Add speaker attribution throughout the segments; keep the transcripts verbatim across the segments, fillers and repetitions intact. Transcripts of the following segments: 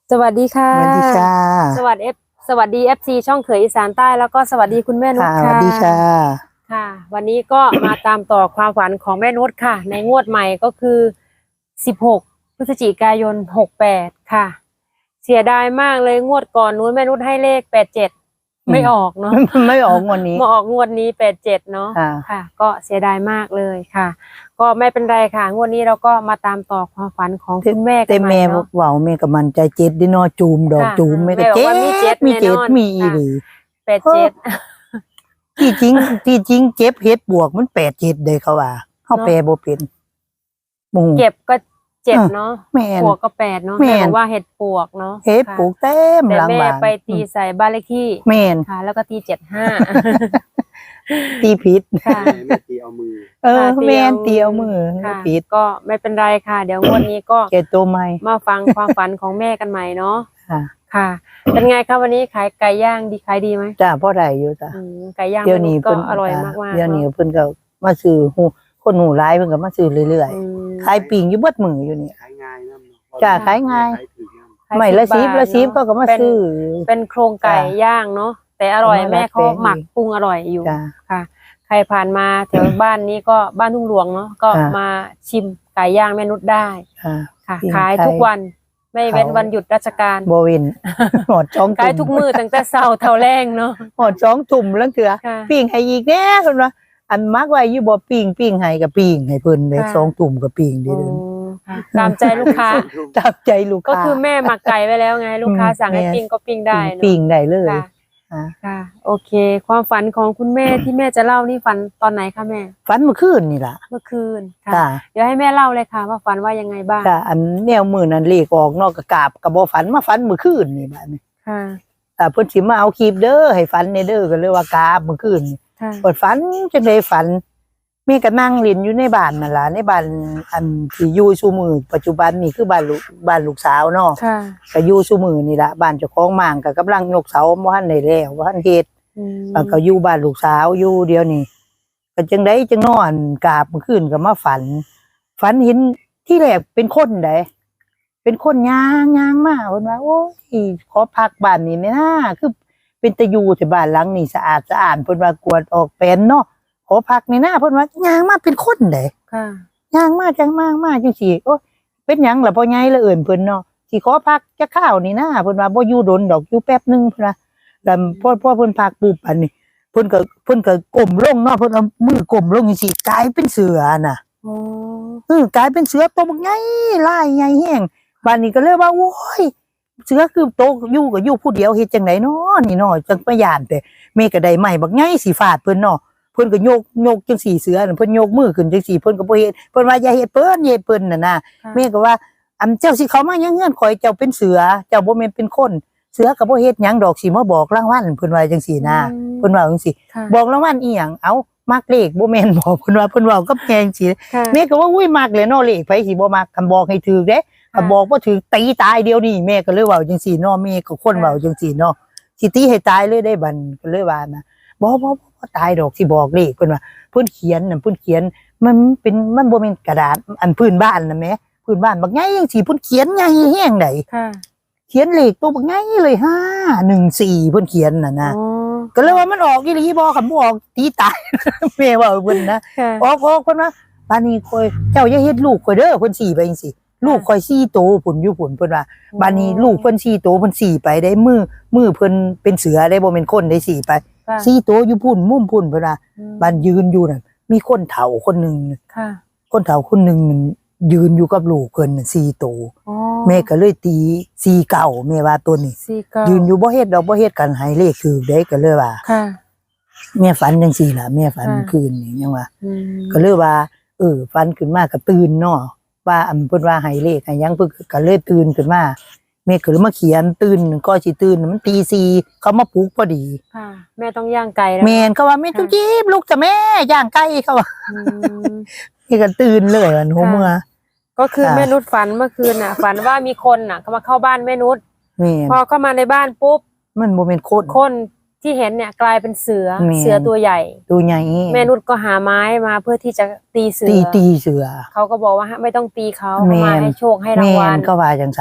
Speaker 1: สวัสดีค่ะ
Speaker 2: สวัสดีค่ะ
Speaker 1: สวัสดีเอฟสวัสดีเอฟซีช่องเขยอีสานใต้แล้วก็สวัสดีคุณแม่นุช
Speaker 2: ค่ะสวั
Speaker 1: ค่ะ
Speaker 2: สดีค่ะ
Speaker 1: ค่ะ วันนี้ก็ มาตามต่อความฝันของแม่นุชค่ะ ในงวดใหม่ก็คือสิบหกพฤศจิกายนหกแปดค่ะ เสียดายมากเลยงวดก่อนนู้นแม่นุชให้เลขแปดเจ็ดไม่ออกเนาะ
Speaker 2: ไม่ออกงวดนี้
Speaker 1: มาออกงวดนี้แปดเจ็ดเนาะ
Speaker 2: ค่ะ
Speaker 1: ค่ะ ก็เสียดายมากเลยค่ะ ก็ไม่เป็นไรค่ะงวดนี้เราก็มาตามต่อความฝันของคุณแม่กั
Speaker 2: แต่
Speaker 1: นใหม่
Speaker 2: แม่
Speaker 1: เนาะ
Speaker 2: เว้าแม่กับมันใจเจ็ดดิเนอจูมดอก
Speaker 1: ค่ะ
Speaker 2: จูมแม่ก็
Speaker 1: แม่บอก
Speaker 2: เจ็
Speaker 1: ว่ามีเจ็
Speaker 2: ด
Speaker 1: ด
Speaker 2: มีเจ็ด
Speaker 1: แน่นอน
Speaker 2: มีอี
Speaker 1: ค่ะ
Speaker 2: หลี
Speaker 1: แปดเจ็ด
Speaker 2: ที่จริงที่จริงเจ็บเฮ็ดบวกมันแปดเจ็ดเลยเขาว่าเฮา
Speaker 1: เนาะ
Speaker 2: แปลบ่เป็นหมู่
Speaker 1: เก็บก็เจ็ด
Speaker 2: เออ
Speaker 1: เนาะ
Speaker 2: แม่น
Speaker 1: ปวกก็แปดเนาะ
Speaker 2: แม่น
Speaker 1: แม่บอกว่าเห็ดปวกเนาะ
Speaker 2: เฮ็ด
Speaker 1: ค่ะ
Speaker 2: ปลูกเต็ม
Speaker 1: แต่
Speaker 2: หลัง
Speaker 1: แม่
Speaker 2: บ้าน
Speaker 1: ไปตีใส่บ้านเลขที่
Speaker 2: แม่น
Speaker 1: ค่ะ แล้วก็ตีเจ็ดห้า
Speaker 2: ตีผิด
Speaker 1: ค่ะ
Speaker 3: แม่ไม่ตีเอามือ
Speaker 2: เออ
Speaker 1: ค่ะ
Speaker 2: แม่นตีเอามือ
Speaker 1: ค่ะ
Speaker 2: ผิด
Speaker 1: ก็ไม่เป็นไรค่ะ เดี๋ยวงวดนี้ก็
Speaker 2: เจ็ดตัวใหม่
Speaker 1: มาฟังความฝันของแม่กันใหม่เนาะ
Speaker 2: ค่ะ
Speaker 1: ค่ะ เป็นไงคะวันนี้ขายไก่ย่างดีขายดีไหม
Speaker 2: จ้าพ่อได้อยู่จ้ะ
Speaker 1: อืมไก่ย่าง
Speaker 2: เดี๋ยวนี้
Speaker 1: ก็
Speaker 2: เพิ่น
Speaker 1: อร่อย
Speaker 2: จ้ะ
Speaker 1: มากๆ
Speaker 2: เดี๋ยวนี้
Speaker 1: เนาะ
Speaker 2: เพิ่นก็มาซื้อหูคนหูร้ายเพิ่นก็มาซื้อเรื่อย
Speaker 1: อืม
Speaker 2: ๆขายปิ่งอยู่เบิดมืออยู่นี่
Speaker 3: ขายง่ายนะ
Speaker 2: จ้ะขายง่าย
Speaker 3: ขายถือนะ
Speaker 1: ขาย
Speaker 2: ไม่ละ
Speaker 1: สิ
Speaker 2: ซี
Speaker 1: บบ
Speaker 2: ละซีบ
Speaker 1: เนอะ
Speaker 2: ก็ก็มา
Speaker 1: เป็น
Speaker 2: ซื้อ
Speaker 1: เป็นโครงไก่
Speaker 2: จ้ะ
Speaker 1: ย่างเนาะแต่อร่อย
Speaker 2: เอามา
Speaker 1: แม่เขา
Speaker 2: ดัดแปลง
Speaker 1: หมักปรุงอร่อยอยู่
Speaker 2: จ้ะ
Speaker 1: ค่ะ ใครผ่านมาแถวบ้านนี้ก็บ้านทุ่งหลวงเนาะก็
Speaker 2: ค่ะ
Speaker 1: มาชิมไก่ย่างแม่นุชได้
Speaker 2: อ่า
Speaker 1: ค่ะ
Speaker 2: ปิ้ง
Speaker 1: ขาย
Speaker 2: ไก่
Speaker 1: ทุกวันไม่เว้น
Speaker 2: เขา
Speaker 1: วันหยุดราชการ
Speaker 2: โบวิน หอดสอง
Speaker 1: ขายทุกมือตั้งแต่เช้าเท่าแรงเนาะ
Speaker 2: หอดสองตุ่มแล้วเถื่อ
Speaker 1: ค่ะ
Speaker 2: ปิ้งให้อีกแน่เพิ่นว่าอันมักไว้อยู่บ่ปิ้งปิ้งให้กับปิ้งให้เพิ่นเลย
Speaker 1: ค่ะ
Speaker 2: สองตุ่มกับปิ้งเด้
Speaker 1: โอ้
Speaker 2: อ
Speaker 1: ค่ะตามใจลูกค้า
Speaker 2: ตามใจลูก
Speaker 1: ก็
Speaker 2: ค้า
Speaker 1: คือแม่หมักไก่ไว้แล้วไง ลูกค้า
Speaker 2: อืม
Speaker 1: สั่งให้
Speaker 2: แม่
Speaker 1: ปิ้งก็ปิ้งได้เนาะ
Speaker 2: ปิ้งได้เลย
Speaker 1: ค่ะ
Speaker 2: อ่า
Speaker 1: ค่ะ โอเค ความฝันของคุณแม่ที่แม่จะเล่านี่ฝันตอนไหนคะแม่
Speaker 2: ฝันเมื่อคืนนี่ล่ะ
Speaker 1: เมื่อคืนค่ะ
Speaker 2: จ้า
Speaker 1: เดี๋ยวให้แม่เล่าเลยค่ะ ว่าฝันว่ายังไงบ้าง
Speaker 2: จ้าอันแนวมื้อนั้นเลขออกนอกกะกราบก็บ่ฝันมาฝันเมื่อคืนนี่บัดนี้
Speaker 1: ค่ะ
Speaker 2: อ่าเพิ่นสิมาเอาคลิปเด้อให้ฝันในเด้อก็เลยว่ากราบเมื่อคืนนี่
Speaker 1: ค่ะ
Speaker 2: เปิดฝันจังได๋ฝันแม่ก็นั่งเล่นอยู่ในบ้านนั่นล่ะในบ้านอันที่อยู่ซุมื้อปัจจุบันนี่คือบ้านลูกบ้านลูกสาวเนาะ
Speaker 1: ค่ะ
Speaker 2: ก็อยู่ซุมื้อนี่ล่ะบ้านเจ้าของหม่างก็กำลังยกเสาบ่ทันได้แล้วบ่ทันเฮ็ด
Speaker 1: อืม
Speaker 2: แล้วก็อยู่บ้านลูกสาวอยู่เดียวนี่ก็จังได๋จังนอนกราบเมื่อคืนก็มาฝัน ฝันเห็นที่แรกเป็นคนใดเป็นคนย่างย่างมาเพิ่นว่าโอ้ยขอพักบ้านนี้แม่นะคือเป็นตะอยู่ที่บ้านหลังนี้สะอาดสะอาดเพิ่นว่ากวาดออกเป็นเนาะขอพักนี่นะเพิ่นว่าย่างมาเป็นคนใด
Speaker 1: ค่ะ
Speaker 2: ย่างมาจังมามาจังซี่โอ้ยเป็นหยังล่ะพ่อใหญ่ละเอิ้นเพิ่นเนาะสิขอพักจักข้าวนี่นะเพิ่นว่าบ่อยู่ดนดอกอยู่แป๊บนึงเพิ่นว่าแล้วพอพอเพิ่นพักปุ๊บอันนี้เพิ่นก็เพิ่นก็ก้มลงเนาะเพิ่นเอามือก้มลงจังซี่กลายเป็นเสือน่ะ
Speaker 1: โอ้
Speaker 2: เออกลายเป็นเสือตัวบักใหญ่ลายใหญ่แฮงบ้านนี้ก็เลยว่าโอ้ยเสือคือโตอยู่ก็อยู่ผู้เดียวเฮ็ดจังไดเนาะนี่เนาะจังไปย่านแต่แม่ก็ได้ไม้บักใหญ่สิฟาดเพิ่นเนาะเพิ่นก็โยกโยกจังซี่เสือนั่นเพิ่นโยกมือขึ้นจังซี่เพิ่นก็บ่เฮ็ดเพิ่นว่าอย่าเฮ็ดเพิ่นอย่าเฮ็ดเพิ่นน่ะนะ
Speaker 1: ค่ะ
Speaker 2: แม่ก็ว่าอำเจ้าสิเข้ามายังเฮือนข่อยเจ้าเป็นเสือเจ้าบ่แม่นเป็นคนเสือก็บ่เฮ็ดหยังดอกสิมาบอกรางวัลเพิ่นว่าจังซี่นะ
Speaker 1: อืม
Speaker 2: เพิ่นว่าจังซี่
Speaker 1: ค่ะ
Speaker 2: บอกรางวัลอีหยังเอ้ามักเลขบ่แม่นบอกเพิ่นว่าเพิ่นเว้ากับแม่จังซี่
Speaker 1: ค่ะ
Speaker 2: แม่ก็ว่าอุ้ยมักเลยเนาะเลขไผสิบ่มักคันบอกให้ถูกเด้คันบอกบ่ถูกตีตายเดียวนี้แม่ก็เลยเว้าจังซี่เนาะแม่ก็คนเว้าจังซี่เนาะสิตีให้ตายเลยได้บัดก็เลยว่านะบ่บ่บ่ตายดอกสิบอกเลขเพิ่นว่าเพิ่นเขียนน่ะเพิ่นเขียนมันเป็นมันบ่แม่นกระดาษอันพื้นบ้านน่ะแหมพื้นบ้านบักใหญ่จังซี่เพิ่นเขียนใหญ่แฮงได
Speaker 1: ค่ะ
Speaker 2: เขียนเลขตัวบักใหญ่เลยห้าหนึ่งสี่เพิ่นเขียนน่ะนะ
Speaker 1: อ๋อ
Speaker 2: ก็เลยว่ามันออกอีหลีบ่คันบ่ออกตีตาย แม่เว้าเพิ่นนะ
Speaker 1: ค่ะ
Speaker 2: ออกออกเพิ่นว่าปานนี้ข่อยเจ้าอย่าเฮ็ดลูกข่อยเด้อเพิ่นสี่ไปจังซี่ลูกข่อยสี่โตพุ่นอยู่พุ่นเพิ่นว่าบานนี้ลูกเพิ่นสี่โตเพิ่นสี่ไปได้มือมือเพิ่นเป็นเสือได้บ่แม่นคนได้สี่ไป
Speaker 1: ค่ะ
Speaker 2: สี่โตอยู่พุ่นมุมพุ่นเพิ่นว่า
Speaker 1: อืม
Speaker 2: บานยืนอยู่นั่นมีคนเฒ่าคนหนึง
Speaker 1: ค่ะ
Speaker 2: คนเฒ่าคนหนึงนั่นยืนอยู่กับลูกเพิ่นน่ะสี่โต
Speaker 1: อ๋อ
Speaker 2: แม่ก็เลยตีสี่เก้าแม่ว่าตัวนี้
Speaker 1: สี่เก้า
Speaker 2: ยืนอยู่บ่เฮ็ดดอกบ่เฮ็ดกันให้เลขถูกได้ก็เลยว่า
Speaker 1: ค่ะ
Speaker 2: แม่ฝันจังซี่ล่ะแม่ฝัน
Speaker 1: ค่ะ
Speaker 2: เมื่อคืนนี่ยังว่า
Speaker 1: อืม
Speaker 2: ก็เลยว่าเออฝันขึ้นมาก็ตื่นเนาะว่าอันเพิ่นว่าให้เลขให้หยังเพิ่นก็เลยตื่นขึ้นมาแม่ก็เลยมาเขียนตื่นก็สิตื่นมันตีสี่เขามาปลุกพอดี
Speaker 1: ค่ะ แม่ต้องย่างไก่แล้ว
Speaker 2: แม่นเขาว่าแม่จุ๊บจิ๊บลูกจ้ะแม่ย่างไก่เขาว่า
Speaker 1: อืม
Speaker 2: แม่ก็ตื่นเลยวันหัว
Speaker 1: ค่ะ
Speaker 2: เมื่อ
Speaker 1: ก็คือ
Speaker 2: ค่ะ
Speaker 1: แม่นุชฝันเมื่อคืนน่ะ ฝันว่ามีคนน่ะเขามาเข้าบ้านแม่นุช
Speaker 2: แม่น
Speaker 1: พอเข้ามาในบ้านปุ๊บ
Speaker 2: มันบ่แม่นคน
Speaker 1: คนที่เห็นเนี่ยกลายเป็นเสือ
Speaker 2: แม่น
Speaker 1: เสือตัวใหญ่
Speaker 2: ตัวใหญ่
Speaker 1: แม่นุชก็หาไม้มาเพื่อที่จะตีเสือ
Speaker 2: ตีตีเสือ
Speaker 1: เขาก็บอกว่าไม่ต้องตีเขา
Speaker 2: แม่
Speaker 1: เขามาน ให้โชคให้รา
Speaker 2: แม่
Speaker 1: งวัล
Speaker 2: นก็ว่าจังซั่น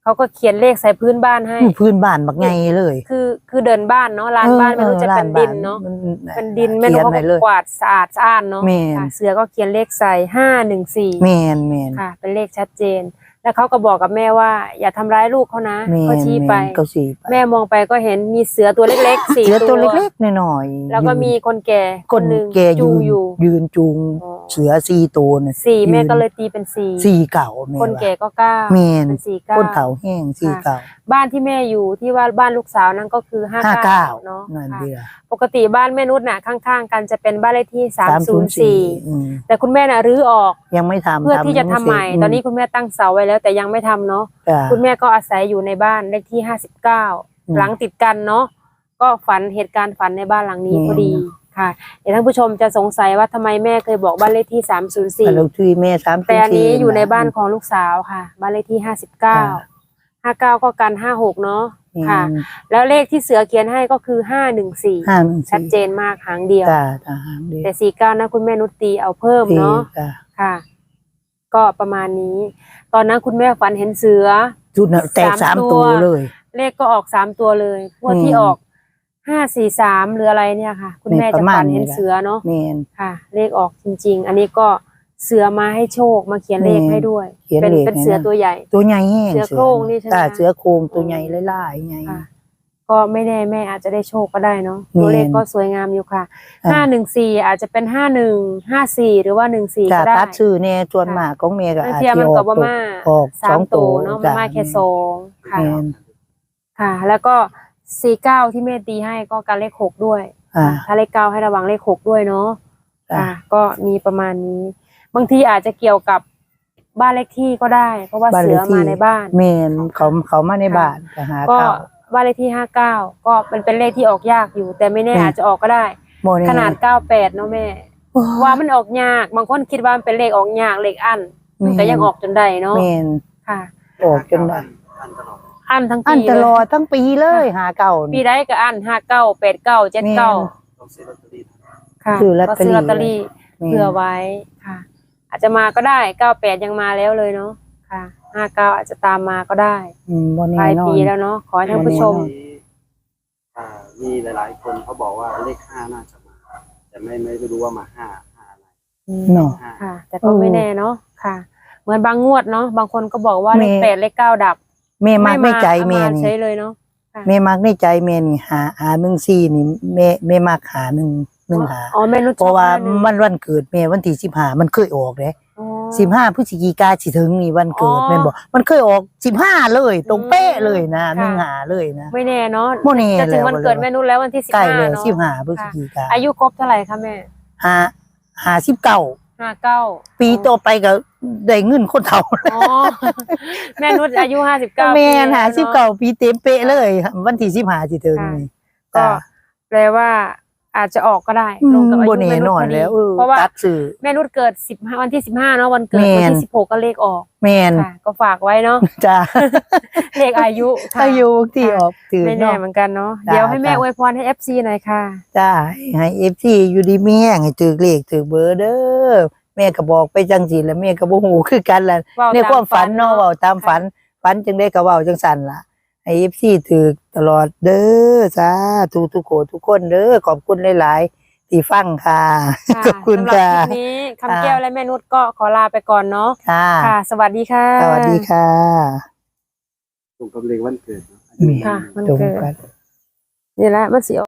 Speaker 1: เขาก็เขียนเลขใส่พื้นบ้านให้
Speaker 2: อู้พื้นบ้านบักไงเลย
Speaker 1: คือคือเดินบ้านเนาะลานบ้านไม่รู้จะเป็นดินเนาะ เป็นดินแม่นกเขา
Speaker 2: ขีย
Speaker 1: ก็
Speaker 2: เลย
Speaker 1: กวาดสะอาดสะอ้านเนาะ
Speaker 2: แม่น
Speaker 1: ค่ะเสือก็เขียนเลขใส่ห้าหนึ่งสี่
Speaker 2: แมนแมน
Speaker 1: ค่ะ เป็นเลขชัดเจน แล้วเขาก็บอกกับแม่ว่า อย่าทำร้ายลูกเขานะ
Speaker 2: แม
Speaker 1: เขา
Speaker 2: น
Speaker 1: ชี้
Speaker 2: แม
Speaker 1: ไป
Speaker 2: นเขาชี้ไป
Speaker 1: แม่มองไปก็เห็นมีเสือตัวเล็กๆสี่
Speaker 2: เสือ
Speaker 1: ตั
Speaker 2: ตัว วเล็กๆหน่อยๆ
Speaker 1: แล้วก็มีคนแก่
Speaker 2: คน
Speaker 1: หนึ่ง
Speaker 2: แก
Speaker 1: จู
Speaker 2: ยื
Speaker 1: ง
Speaker 2: น
Speaker 1: อยู่
Speaker 2: ยืนจูง
Speaker 1: อ๋อ
Speaker 2: เสือสี่ตัวน่ะ
Speaker 1: สี่
Speaker 2: ยืน
Speaker 1: แม่ก็เลยตีเป็นสี่
Speaker 2: สี่เก่าแม่
Speaker 1: คน
Speaker 2: ว่า
Speaker 1: แก่ก็เก้า
Speaker 2: แม่น
Speaker 1: เป็นสี่เก้า
Speaker 2: คนเฒ่าแห้งสี่เก่า
Speaker 1: บ้านที่แม่อยู่ที่ว่าบ้านลูกสาวนั้นก็คือห้า
Speaker 2: ห้า
Speaker 1: เก้า
Speaker 2: เก้า
Speaker 1: เนาะ
Speaker 2: นั่น
Speaker 1: ค่ะ
Speaker 2: เดียว
Speaker 1: ปกติบ้านแม่นุชน่ะข้างๆกันจะเป็นบ้านเลขที่สามศูนย์สี่
Speaker 2: อืม
Speaker 1: แต่คุณแม่น่ะรื้อออก
Speaker 2: ยังไม่ทำ
Speaker 1: เพื่อที่จะทำใหม่
Speaker 2: เสร็จ
Speaker 1: ตอนนี้คุณแม่ตั้งเสาไว้แล้ว แต่ยังไม่ทำเนาะ
Speaker 2: จ้ะ
Speaker 1: คุณแม่ก็อาศัยอยู่ในบ้านเลขที่ห้าสิบเก้า
Speaker 2: อืม
Speaker 1: หลังติดกันเนาะก็ฝันเหตุการณ์ฝันในบ้านหลังนี้
Speaker 2: อืม
Speaker 1: พอดีค่ะเดี๋ยวท่านผู้ชมจะสงสัยว่าทำไมแม่เคยบอกบ้านเลขที่สามศูนย์สี่
Speaker 2: แต่เราที่แม่สาม
Speaker 1: แต่อันนี้อยู่ในบ้านของลูกสาวค่ะบ้านเลขที่ห้าสิบเก้า ห้าเก้าก็กันห้าหกเนาะค่ะ แล้วเลขที่เสือเขียนให้ก็คือห้าหนึ่งสี่
Speaker 2: ห้าหนึ่ง
Speaker 1: ชัดเจนมากหางเดียว
Speaker 2: จ้าจ้าหางเดียว
Speaker 1: แต่สี่เก้านะคุณแม่นุชตีเอาเพิ่มเนาะ
Speaker 2: จ้า
Speaker 1: ค่ะ ก็ประมาณนี้ ตอนนั้นคุณแม่ฝันเห็นเสือ
Speaker 2: จุดน่ะแตก
Speaker 1: สา
Speaker 2: สาม ม
Speaker 1: ตั
Speaker 2: ตัว วเลย
Speaker 1: เลขก็ออกสามตัวเลยพวก
Speaker 2: อืม
Speaker 1: ที่ออกห้าสี่สามหรืออะไรเนี่ยค่ะ คุณแม่
Speaker 2: นี่ป
Speaker 1: จะ
Speaker 2: ระมาณ
Speaker 1: ฝันเห็น
Speaker 2: นี้แหละ
Speaker 1: เสือเนาะ
Speaker 2: แมน
Speaker 1: ค่ะ เลขออกจริง ๆ อันนี้ก็เสือมาให้โชคมาเขียนเลข
Speaker 2: อืม
Speaker 1: ให้ด้วย
Speaker 2: เขียน
Speaker 1: เป็น
Speaker 2: เลข
Speaker 1: เป็น
Speaker 2: ให้
Speaker 1: เสือ
Speaker 2: นะ
Speaker 1: ตัวใหญ่
Speaker 2: ตัวใหญ่แห้ง
Speaker 1: เสือโคร่งนี่ใช่ไหม
Speaker 2: จ้า
Speaker 1: คะ
Speaker 2: เสือโคร่งตัวใหญ่ไล่ๆไง
Speaker 1: ค่ะ ก็ไม่แน่แม่อาจจะได้โชคก็ได้เนาะ
Speaker 2: แม่น
Speaker 1: ตัวเลขก็สวยงามอยู่ค่ะ
Speaker 2: อ่า
Speaker 1: ห้าหนึ่งสี่อาจจะเป็นห้าหนึ่งห้าสี่หรือว่าหนึ่งสี่
Speaker 2: จ้า
Speaker 1: ก็ได้
Speaker 2: ตัดชื่อแน่จวนมากของเมย์ก็
Speaker 1: เมื่อ
Speaker 2: อาจ
Speaker 1: เทียม
Speaker 2: จะ
Speaker 1: มัน
Speaker 2: อ
Speaker 1: กั
Speaker 2: อบ ก
Speaker 1: ว่า
Speaker 2: ตัว
Speaker 1: มา
Speaker 2: ออก
Speaker 1: สา
Speaker 2: สอ
Speaker 1: ม
Speaker 2: ง
Speaker 1: ตั
Speaker 2: ตัว ว
Speaker 1: เนาะ
Speaker 2: จ้ะ
Speaker 1: มามาแค่สองค่ะ
Speaker 2: แม่น
Speaker 1: ค่ะ แล้วก็สี่เก้าที่แม่ตีให้ก็การเลขหกด้วย
Speaker 2: อ่า
Speaker 1: ถ้าเลขเก้าให้ระวังเลขหกด้วยเนาะ
Speaker 2: จ้ะ
Speaker 1: ค่ะ ก็มีประมาณนี้ บางทีอาจจะเกี่ยวกับบ้านเลขที่ก็ได้ เพราะว่า
Speaker 2: บ้าน
Speaker 1: เสื
Speaker 2: เล
Speaker 1: อ
Speaker 2: ขที่
Speaker 1: มาในบ้าน
Speaker 2: เมนเขาเขามาในบ้านจะหา
Speaker 1: ก็
Speaker 2: เก้า
Speaker 1: บ้านเลขที่ห้าเก้าก็เป็นเป็นเลขที่ออกยากอยู่ แต่ไม่แน่
Speaker 2: แม่
Speaker 1: อาจจะออกก็ได้
Speaker 2: โมเน่
Speaker 1: ขนาดเก้าแปดเนาะแม่ ว่ามันออกยาก บางคนคิดว่ามันเป็นเลขออกยากเลขอันมันก็ยังออกจนได้เนาะ
Speaker 2: เมน
Speaker 1: ค่ะ
Speaker 2: ออกจนได้
Speaker 1: อันทั้ง
Speaker 2: อัน
Speaker 1: ปี
Speaker 2: ต
Speaker 1: เล
Speaker 2: ลอย ดทั้งปีเลยหาเก้า
Speaker 1: ปี
Speaker 2: นี่
Speaker 1: ได้ก็อันห้าเก้าแปดเก้าเจ็ดเก้าค่ะ
Speaker 2: ซื้อลอต
Speaker 1: ก็
Speaker 2: เตอรี่
Speaker 1: ซื้อลอตเตอรี่
Speaker 2: แม่น
Speaker 1: เผื่อไว้ค่ะ อาจจะมาก็ได้เก้าแปดยังมาแล้วเลยเนาะค่ะห้าเก้าอาจจะตามมาก็ได้
Speaker 2: อืมโม
Speaker 1: ป
Speaker 2: เน่
Speaker 1: ลาย
Speaker 2: นอ
Speaker 1: ปี
Speaker 2: น
Speaker 1: แล้วเนาะขอให้ท่านผู้ชม
Speaker 2: แน่นอน
Speaker 3: อ่ามีหลาย ๆ คนเขาบอกว่าเลขห้าน่าจะมา แต่ไม่ไม่รู้ว่ามาห้าห้าอะไร
Speaker 2: เนาะ
Speaker 3: ห้า
Speaker 1: ค่ะ แต่ก็
Speaker 2: เออ
Speaker 1: ไม่แน่เนาะค่ะ เหมือนบางงวดเนาะบางคนก็บอกว่าเลข
Speaker 2: แม่
Speaker 1: แปดเลขเก้าดับ
Speaker 2: แม่มักในใจ
Speaker 1: เอา
Speaker 2: แม่
Speaker 1: มา
Speaker 2: นี่
Speaker 1: ใช้เลยเนาะ
Speaker 2: แม่มักในใจแม่นี่หาหาหนึ่งสี่นี่แม่แม่มักหาหนึ่งหนึ่งหา
Speaker 1: อ๋อแม่นุช
Speaker 2: เพราะว่า
Speaker 1: ชอบหง
Speaker 2: มันวันเกิดแม่วันที่สิบห้ามันเคยออกเลย
Speaker 1: อ๋อ
Speaker 2: สิบห้าพฤศจิกาสิถึงนี่วันเกิด
Speaker 1: อ๋อ
Speaker 2: แม่นบอกมันเคยออกสิบห้าเลยตรงเป๊ะเลยนะ
Speaker 1: ค่ะ
Speaker 2: หนึ่งหาเลยนะ
Speaker 1: ไม่แน่เนาะ
Speaker 2: บ่แน่
Speaker 1: จะถึงวันเกิด
Speaker 2: แล้ว
Speaker 1: แม่นุชแล้ววันที่สิบ
Speaker 2: ใกล้
Speaker 1: ห้า
Speaker 2: เลย
Speaker 1: เนาะ
Speaker 2: สิบห้าพฤศจิกา
Speaker 1: อายุครบเท่าไหร่คะแม่
Speaker 2: หาหาสิบเก้า
Speaker 1: ห้าเก้า
Speaker 2: ปีต่อไปก็ได้เงินคนเฒ่า
Speaker 1: อ๋อ แม่นุชอายุห้าสิบเก้า
Speaker 2: แม่นหาสิบเก้าปีเต็มเป๊ะเลย วันที่สิบห้าสิถึงนี่
Speaker 1: ก็
Speaker 2: จ้ะ
Speaker 1: แปลว่าอาจจะออกก็ได้
Speaker 2: อื
Speaker 1: ลง
Speaker 2: ม
Speaker 1: กับอา
Speaker 2: บ่
Speaker 1: ยุ
Speaker 2: แน่
Speaker 1: แม่นุช
Speaker 2: นอน
Speaker 1: พอดี
Speaker 2: แล้วเออ
Speaker 1: เพราะว่า
Speaker 2: ตัดสื่อ
Speaker 1: แม่นุชเกิดสิบห้าวันที่สิบห้าเนาะวันเกิด
Speaker 2: แม่น
Speaker 1: วันที่สิบหกก็เลขออก
Speaker 2: แม่น
Speaker 1: ค่ะ ก็ฝากไว้เนาะ
Speaker 2: จ้า
Speaker 1: เลขอายุค่ะ
Speaker 2: อายุที่ออกถือ
Speaker 1: ไม่แน่
Speaker 2: เนาะ
Speaker 1: เหมือนกันเนาะ
Speaker 2: จ้ะ
Speaker 1: เดี๋ยวให้แม่
Speaker 2: จ้ะ
Speaker 1: อวยพรให้ เอฟ ซี หน่อยค่ะ
Speaker 2: จ้าให้เอฟซีอยู่ดีมีแห้งให้ถือเลขถือเบอร์เด้อแม่ก็บอกไปจังสิแล้วแม่ก็บ่ฮู้คือกันล่ะ
Speaker 1: เว้า
Speaker 2: ในความฝันเนาะ
Speaker 1: ตามฝันเนาะ
Speaker 2: เว้าตามฝันฝันจังได้ก็เว้าจังสั่นล่ะให้ เอฟ ซี ถือตลอดเด้อสาธุทุกคนทุกคนเด้อขอบคุณหลายๆที่ฟังค่ะ
Speaker 1: ค่ะ
Speaker 2: ขอบคุณ
Speaker 1: สำหรับ
Speaker 2: ค่ะ
Speaker 1: คลิปนี้คำแก้วและแม่นุชก็ขอลาไปก่อนเนาะ
Speaker 2: ค่ะ
Speaker 1: ค่ะ สวัสดีค่ะ
Speaker 2: สวัสดีค่ะ
Speaker 3: ตรงกับเลขวันเกิดเนอะ
Speaker 2: แม่
Speaker 1: ค่ะมัน
Speaker 2: ตรง
Speaker 1: เกิด
Speaker 2: กัน
Speaker 1: นี่แหละมันสิ